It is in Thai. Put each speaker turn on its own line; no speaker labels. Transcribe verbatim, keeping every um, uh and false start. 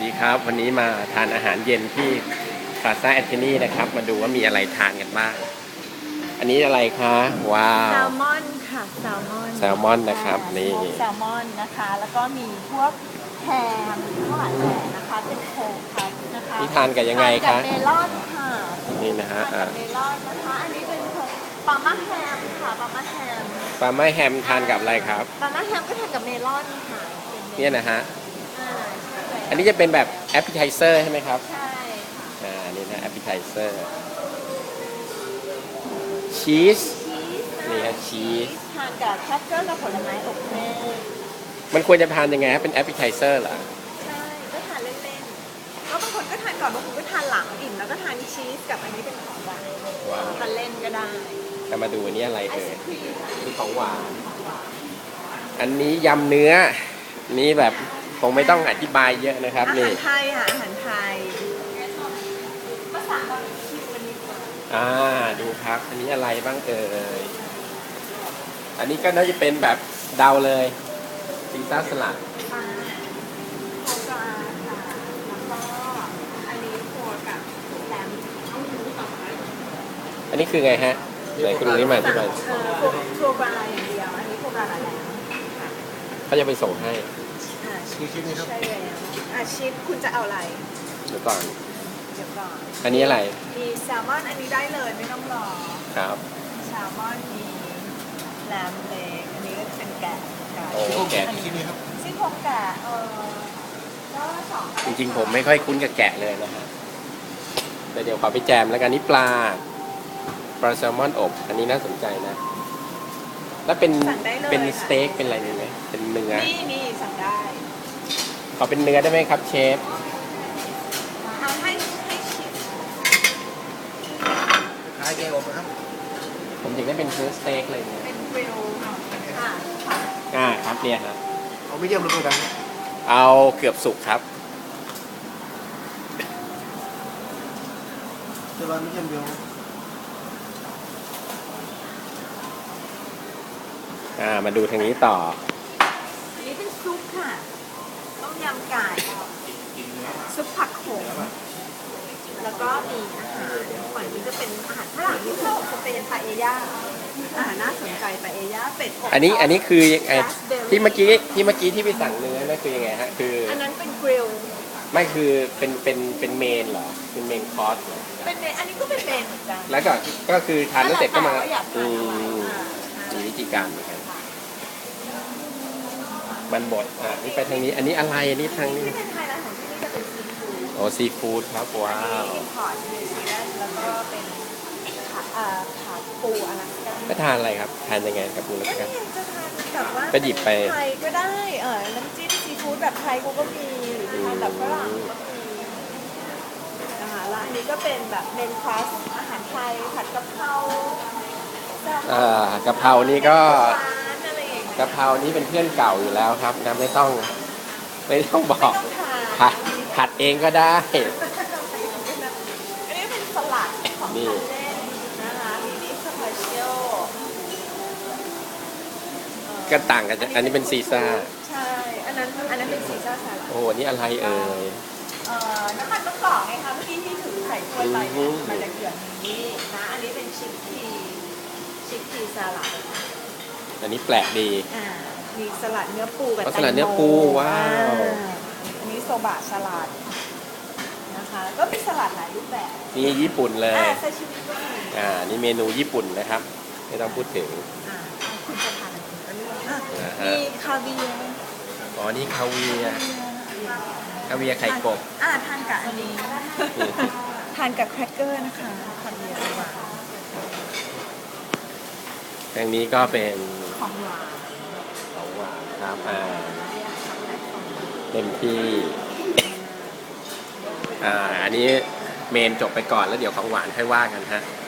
ดีครับวันนี้มาทานอาหารเย็นที่พลาซ่าแอนโทนีนะครับมาดูว่ามีอะไรทานกันบ้างอันนี้อะไรคะว้าว
แซลมอนค่ะแซลมอน
แซลมอนนะครับนี่
แซลมอนนะคะแล้วก็มีพวกแฮมข้าวหลามแหนนะคะเป็นโคคัสนะคะ
นี่ทานกับยังไงคะ
ทานกับเมลอนค่ะ
นี่นะฮะ
ทานกับเมลอนนะคะอันนี้เป็นปาม่าแฮมค่ะปาม่าแฮม
ปลาไม้แฮมทานกับอะไรครับ
ปาม่าแฮมก็ทานกับเมลอนค่ะ
เนี่ยนะฮะ
อ่า
อันนี้จะเป็นแบบแอปเปิลไทเซอร์ใช่ไหมครับ
ใช่ค่ะ
อ่านี่นะแอปเปิลไทเซอร์ชีสนี่ฮะชีส
ทานกับแครกเกอร์กับผลไม้อบแห้ง
มันควรจะทานยังไงฮะเป็นแอปเปิลไทเซอร์เหรอ
ใช่ก็ทานเล่นๆแล้วบางคนก็ทานก่อนบางคนก็ทานหลังอิ่มแล้วก็ทานชีสกับอันนี้เป็นของหวานทานเล่นก็ได้
จะมาดูอันนี้อะไร
ไอ
เอ่
ศ
ย
ครีม
นี่ของหวานอันนี้ยำเนื้อนี่แบบคงไม่ต้องอธิบายเยอะนะครับ
อาหา
นี่
รไทยค่ะอาหารไทยภาษาคิววันนี้
อ่าดูครับอันนี้อะไรบ้างเอ่ยอันนี้ก็น่าจะเป็นแบบเดาเลยซีซ่าสลัด
ปลาโคกราค่ะแล้วก็อันนี้ตัวกับแหลม
อันนี้คือไงฮะไหนคุณลุงนี่มาที่ไหน
เออโคกราอย่างเดียวอันนี้โคกราแหลมค่ะ
เขาจะไปส่งให้
อ่าชีสนี่ครับใช่แล้วอ่าชีสคุณจะเอาอะไร
เดี๋ยวก่อน
เดี๋ยวก่อน
อันนี้อะไร
มีแซลมอนอันนี้ได้เลยไม่ต้องรอ
ครับ
แซลมอนมีแหลมเล็กอันนี้ก็เป็นแกะ
โอ้แกะ
ที่นี่ครับซี่โครงแกะเออก็สอง
จริงๆผมไม่ค่อยคุ้นกับแกะเลยนะฮะแต่เดี๋ยวขอไปแจมแล้วกันนี่ปลาปลาแซลมอนอบอันนี้น่าสนใจนะแล้วเป็นเป็นสเต็กเป็นอะไรนี่ไหมเป็นเนื้อ
นี่นี่สั่งได้
ขอเป็นเนื้อได้ไหมครับเชฟ
เอาให้ให้ชิม
ขายแกงอบนะครับ
ผมอยากได้เป็นเนื้อสเต็กเลยเนี่ย
เป็นกริลค่ะ
อ่าครับเนี่ยฮะ
เอาไม่เยี่ยมหรือเปล่าครับ
เอาเกือบสุกครับ
จะร้านไม่เยี่ยมเดียว
อ่ามาดูทางนี้ต่อ
อันนี้เป็นซุปค่ะต้มยำไก่ซุปผักโขมแล้วก็มีอาหารฝั่งนี้จะเป็นอาหารฝรั่งที่เขาจะเป็นปาเอญ่าอาหารน่าสนใจปาเอญ่าเป็ดอบ
อันนี้อันนี้คือยังไงที่เมื่อกี้ที่เมื่อกี้ที่ไปสั่งเนื้อนั่นคือยังไงฮะคือ
อันนั้นเป็นกริล
ไม่คือเป็นเป็นเป็นเมนเหรอเป็นเมนคอร์สเหรอ
เป็นเมนอันนี้ก็เป็นเมนเหมือนกัน
แล้วก็ก็คือทานแล้วเสร็จก็มาอืม
มี
วิธีการเหมือนกันมันบดอ่านี่ไปทางนี้อันนี้อะไรอันนี้ทางนี้
ที่เป็นไฮไลท์ของที่นี่จะเป็นซีฟู้ด
โอ้ซีฟู้ดครับว้าว
อินพอร์ตนิวซีแลนด์แล้วก็เป็นขาเอ่อขาปูอลาสก้า
ก็ทานอะไรครับทานยังไงกับปูอลาสก้า
จะทานแบบว่า
ก็หยิบไป
ไทยก็ได้เออน้ำจิ้มซีฟู้ดแบบไทยกูก็มีหรือทานแบบฝรั่งก็มีนะคะแล้วอันนี้ก็เป็นแบบเมนคลาสอาหารไทยผัดกะเพรา
อ่ากะเพรานี่ก็กะเพรานี่เป็นเพื่อนเก่าอยู่แล้วครับนะไม่ต้องไม่ต้องบอกผัดผัดเองก็ได้
อันนี้เป็นสลัดของทานเล่นนะคะมีดิสเพเชียล
ก็ต่างกันอันนี้เป็นซีซ่า
ใช่อันนั้นอันนั้นเป็นซีซ่าสลัด
โอ้นี่อะไรเอ่ย
เอ่อน้ำมันมะกอกไงคะเมื่อกี้ที่ถือใส่ถ้วยไปมันจะเกี่ยวนี้นะอันนี้เป็นชิคพีชิคพีสลัด
อันนี้แปลกดี
อ่ามีสลัดเนื้อปูกับแตงโม
สลัดเนื้อปูว้าว
อันนี้โซบะสลัดนะคะก็มีสลัดหลายรูปแบบ
นี่ญี่ปุ่นเลย
อ่าซาชิมิก็มี
อ่านี่เมนูญี่ปุ่นนะครับไม่ต้องพูดถึง
อ่าคุณจะทานอะไรก็เลือกมีคาเวียร์
อ๋อนี่คาเวียร์คาเวียร์ไข่กบ
อ่าทานกับอันนี้ทานกับแครกเกอร์นะคะคาเวียร์หวาน
ทางนี้ก็เป็น
ของหวาน
ของหวานครับอ่าเต็มที่อ่าอันนี้เมนจบไปก่อนแล้วเดี๋ยวของหวานค่อยว่ากันฮะ